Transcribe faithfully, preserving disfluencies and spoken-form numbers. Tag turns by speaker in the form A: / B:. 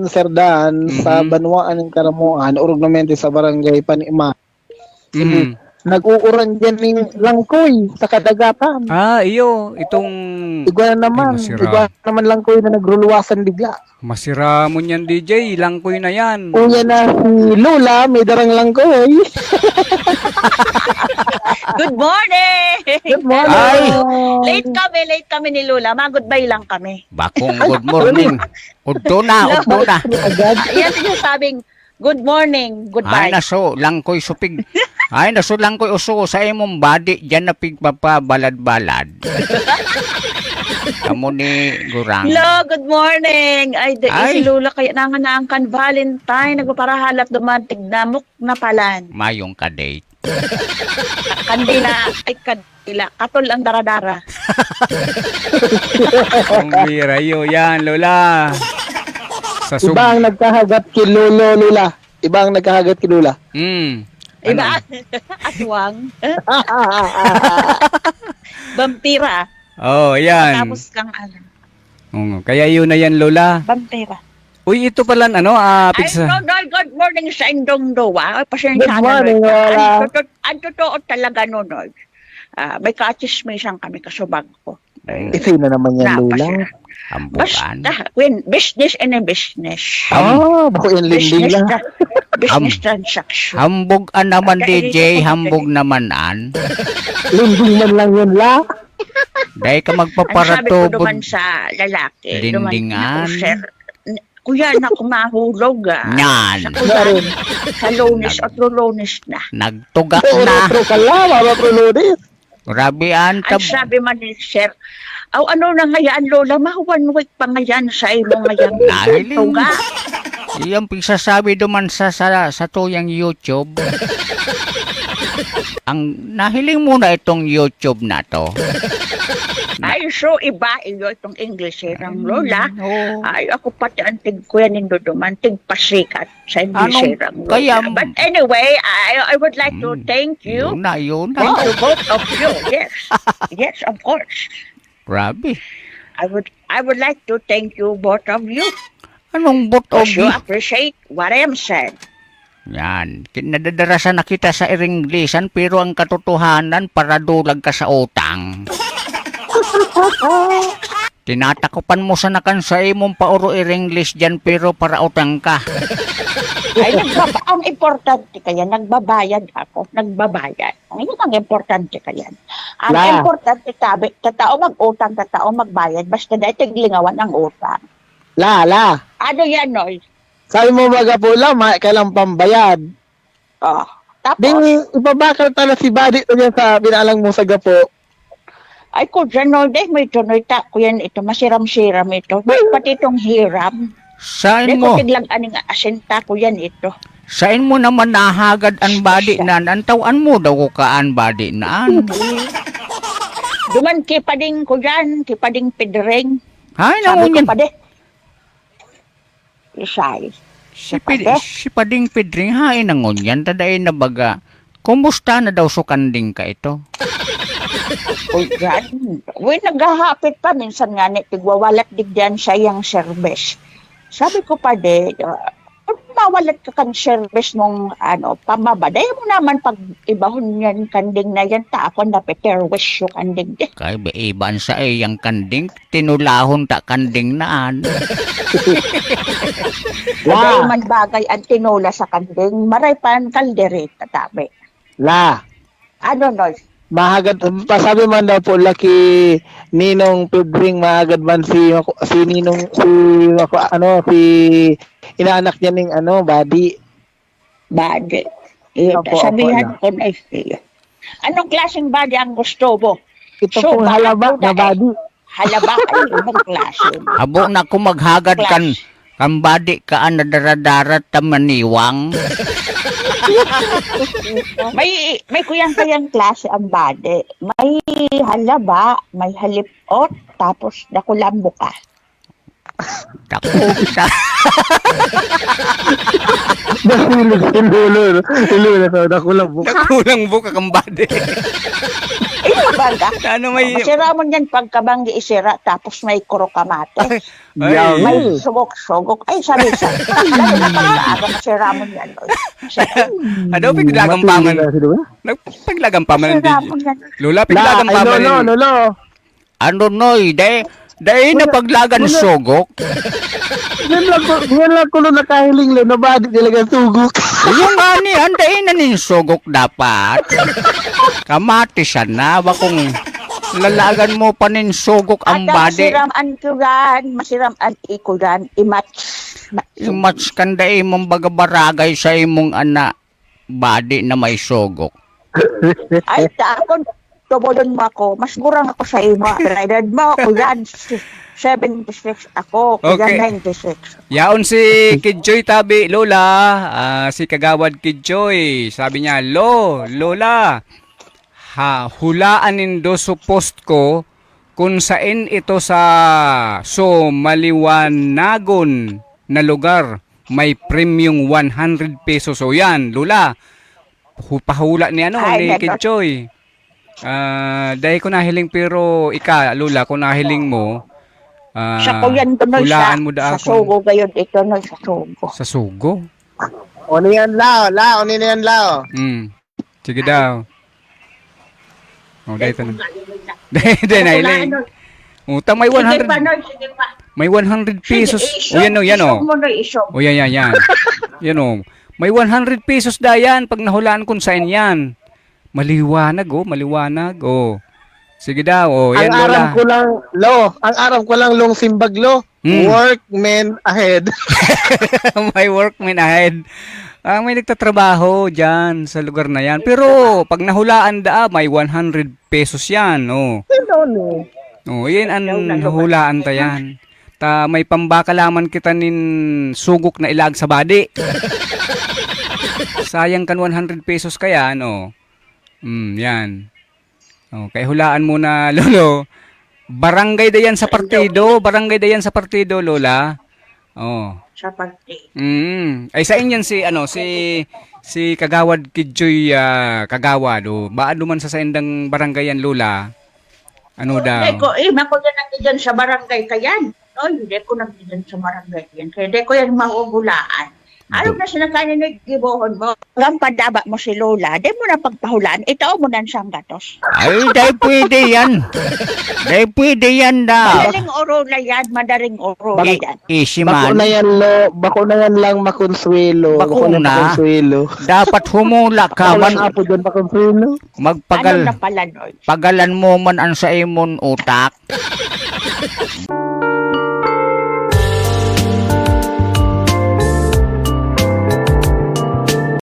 A: Dan, Sir Dan,
B: Mhm.
A: sa Banwaan ng Karamuan, ornamente sa barangay Panima.
B: Mhm.
A: Nag-uuran dyan ng langkoy sa kadagatan.
B: Ah, iyo, itong
A: Igwa na naman,
B: Ay, masira.
A: igwa naman langkoy na nagruluwasan bigla.
B: masira mo niyan D J, langkoy na yan.
A: Unya na si Lola, may darang langkoy.
C: Good morning!
A: Good morning!
B: Ay!
C: Late kami, late kami ni Lola. Mag-goodbye lang kami.
B: Bakong good morning. Udto na, udto na.
A: Agad.
C: Ayan sinasabing, good morning,
B: Ay,
C: goodbye.
B: naso, langkoy supig. Ay, naso, langkoy uso sa imong body, dyan na pigpapabalad-balad. Kamu ni Gurang.
C: Hello, good morning. Ay, di,
B: Ay.
C: si Lola kaya nanganangkan Valentine. Nagpaparahalat dumantig namok na palan.
B: Mayong ka-date.
C: Kandila, ay kandila. Katol ang daradara.
B: Ang bira yun, yan, Lola. Sa sub...
A: Iba ang nagkahagat kay Lolo Lola. Iba ang nagkahagat kay Lola.
B: Mm.
C: Iba,
B: Ano?
C: aswang. Vampira.
B: Oh, yan.
C: Tapos kang ano,
B: Oo, kaya yun na yan, Lola.
C: vampira.
B: Uy, ito pala, ano, ah,
C: Ay,
B: pizza.
C: no, no, good morning sa Indong Dowa. Ay, pasensya
A: Good
C: na,
A: morning,
C: Lord.
A: Lola.
C: Ang totoo, ang totoo talaga, no, Lord. Ah, may kachismisan kami kasubag ko.
A: Isa na naman yan, Lola.
B: Hambukan.
C: Basta, when business and a business.
A: Ah, bako yung linding
C: Business,
A: lang.
C: tra- business
B: Ham-
C: transaction.
B: Hambog an naman,
C: Kaya
B: D J.
C: dito ko
B: Hambog naman an.
A: Linding man lang yun, La.
B: Dahil ka
C: Ang sabi ko
B: magpaparatubod.
C: duman sa lalaki. duman,
B: Lindingan.
C: naku, sir, n- kuya, naku, mahulog ah.
B: Yan.
C: Sa kuya,
A: Narin.
C: sa lunes at lunes na.
B: Nagtuga
A: Pero
B: na.
A: pro ka la, mama pro Lourdes.
B: Grabe an.
C: Ang
B: Tab-
C: sabi man ni sir, aw ano na ngayon, Lola, mahuwan week pa ngayon sa imo ngayon.
B: Nahiling.
C: Tuga.
B: Iyang pagsasabi duman sa, sa, sa tuyang YouTube. Ang nahiling muna itong YouTube na to.
C: Ay, so iba iyo itong English eh, ng Lola.
B: Oo.
C: Ay, ako pati ang tig kuya nindo duman, tig pasikat sa English
B: Anong-
C: eh, ng Lola.
B: kaya-
C: But anyway, I, I would like to
B: Mm.
C: thank you.
B: Yun na, yun na.
C: Thank you both of you. Yes. Yes, of course.
B: Grabe.
C: I would I would like to thank you both of you
B: Anong bot o
C: because you appreciate what I am saying.
B: Yan. Nadadarasan na kita sa Iringlisan pero ang katotohanan para dulag ka sa utang. Tinatakupan mo sa nakan sa imong pauro Iringlis dyan pero para utang ka.
C: Ay, nagbaba, ang importante kaya, nagbabayad ako, nagbabayad. Ang yun ang importante kaya. Ang
A: La.
C: importante tabi, tatao mag-utang, tatao magbayad, basta dahil tiglingawan ang utang.
A: La, la.
C: Ano yan, Noy?
A: Sabi mo baga po la, ma, kailang pambayad.
C: Oh. Tapos,
A: Ding, ibabakal tala si Buddy to dyan sa binalang mo sa gapo.
C: ay ko dyan, Noy, dahil may tunoy ta ko yan ito, masiram-siram ito. May pati itong hiram.
B: Saan
C: Dahil
B: mo?
C: ko tiglang aning asinta ko yan ito.
B: Saan mo naman nahagad ang body na antawan mo daw ko ka ang body na an.
C: Duman kipading ko dyan, kipading pidring.
B: Hay
C: Sabi
B: nangon
C: ko
B: yan.
C: pa de. Isay.
B: Si, Pid, si Pading Pedring hain nangon yan. Tadain na baga. Kumusta na daw sukanding ka ito?
C: Uy, yan. Uy, naghahapit pa. Minsan nga, ni, tigwawalat digyan sa iyang service. Sabi ko pa de, uh, mawalat ka kan service mong ano, pamabaday mo naman pag ibahon yan kanding na yan, ta ako na peterwish yung kanding de.
B: Kay iban sa iyang kanding. Tinulahon ta kanding naan.
C: Bagay man bagay ang tinula sa kanding, maray pa ang kaldereta tabi.
A: La.
C: Ano, Noy?
A: Mahagad, pasabi man daw po laki Ninong Pedring, mahagad man si, si Ninong, si, ako, ano, si, inaanak niya ng, ano, Buddy.
C: Badi. Eh,
A: Opo,
C: sabihan
A: opo,
C: ko na eh. Anong klaseng badi ang gusto mo?
A: Ito
C: So,
A: pong halaba
C: bakit
A: na
C: po na-
A: Buddy.
C: Halaba ay ibang klase.
B: Abo na ko maghagad kan kan body ka an nadaradarat ta maniwang.
C: May may kuyang-kuyang klase ang bade. May halaba, may halipot, tapos nakulambo ka.
B: Takog sa
A: Nahulog si Lolo. Si Lolo, nakulang buka.
B: Nakulang buka kang body.
C: Ito baga.
B: Ano may...
C: Masira mo yan pagkabanggi isira tapos may kurokamate.
A: Yaw.
B: Ay,
C: May sugok-sugok. Ay, sabi sa. Aga masira mo yan.
B: ano, piglagang paman. Nagpaglagang paman.
C: Masira mo yan.
B: Lola,
A: La,
B: piglagang
A: ay,
B: paman.
A: Lolo, Lolo.
B: Ano, noy, de... Dahil na paglagan sugok.
A: Yan lang ko, yan lang ko nung nakahiling lo, nabadi talaga tugok.
B: Yung ani, andain na nin sugok dapat. Kamatisan na, bakong lalagan mo pa nin sugok ang
C: At
B: body.
C: masiram ang kuran, masiram ang ikuran, imatch.
B: Imats kanda imong bagabaragay sa imong ana body na may sugok.
C: Ay, ta ako, tubodon mo ako, mas gurang ako sa imo. Pero edad mo, kuran, seventy-six ako, kuran
B: Okay.
C: ninety-six.
B: Yaon si Kidjoy tabi, Lola, ah, si Kagawad Kidjoy, sabi niya, Lo, Lola, ha, hulaan nindo sa post ko kung saan ito sa so maliwanagon na lugar may premium one hundred pesos. So yan, Lola, hu- pahula ni ano,
C: Ay,
B: ni
C: neto.
B: Kidjoy. Ah, dahil ko nahiling pero ika, Lola, kung nahiling mo, ah,
C: Sa kuyan to no, sa,
B: hulaan mo da
C: sa
B: ako.
C: sugo gayon, ito no, sa sugo.
B: Sa sugo?
A: O niyan lao, lao, ni niyan lao.
B: Hmm. Sige daw. Oh, dahil ito na. Dahil, dahil, nahiling. Utang may
C: Sige pa,
B: one hundred.
C: no, sige pa.
B: May one hundred pesos.
C: Sige,
B: O yan o, yan o.
C: isog mo no, isog.
B: O yan, yan, yan. Yan o. May one hundred pesos da yan pag nahulaan kung saan yan. Maliwanag o, maliwanag o. Sige daw, o.
A: Ang
B: Yan,
A: aram
B: Lola.
A: ko lang, lo, ang aram ko lang long simbag lo.
B: Hmm.
A: Workmen ahead.
B: May workman ahead. Ah, may nagtatrabaho dyan sa lugar na yan. Pero pag nahulaan da, may one hundred pesos yan. Oh.
A: Hello ni.
B: Oh, yan ang nahulaan ta yan. Ta may pambakalaman kita nin sugok na ilag sa body. Sayang kan one hundred pesos kaya, no? Hmm, yan. Oh, kaya hulaan mo na, Lolo. Barangay da yan sa partido. Barangay da yan sa partido, Lola. Oh.
C: Sa pagti.
B: Mm. Ay sa inyan si ano si si Kagawad Kidjoy ah, Kagawad o baado man sa saindang barangayan, Lola. Ano daw?
C: Hindi ko, eh, ako yan nandiyan sa barangay kayan. No, hindi ko nandiyan sa barangay yan. Kaya hindi ko yan mahugulaan. Ano na sinakanin na gibohon mo? Ang padaba mo si Lola, di mo na pagpahulaan, itaw mo na siyang gatos.
B: Ay, dahil pwede yan. Dahil pwede yan daw.
C: Madaling oro na yan, madaling oro na yan.
B: Easy
A: Bako
B: man.
A: na yan lo, bako na yan lang makonsuelo. Bako na
B: Bakuna?
A: makonsuelo.
B: Dapat humula ka
A: Bako lang
B: man.
A: apo dyan makonsuelo.
C: Ano
B: Magpagal.
C: na pala, Noy?
B: Pagalan mo man ang sa imon utak.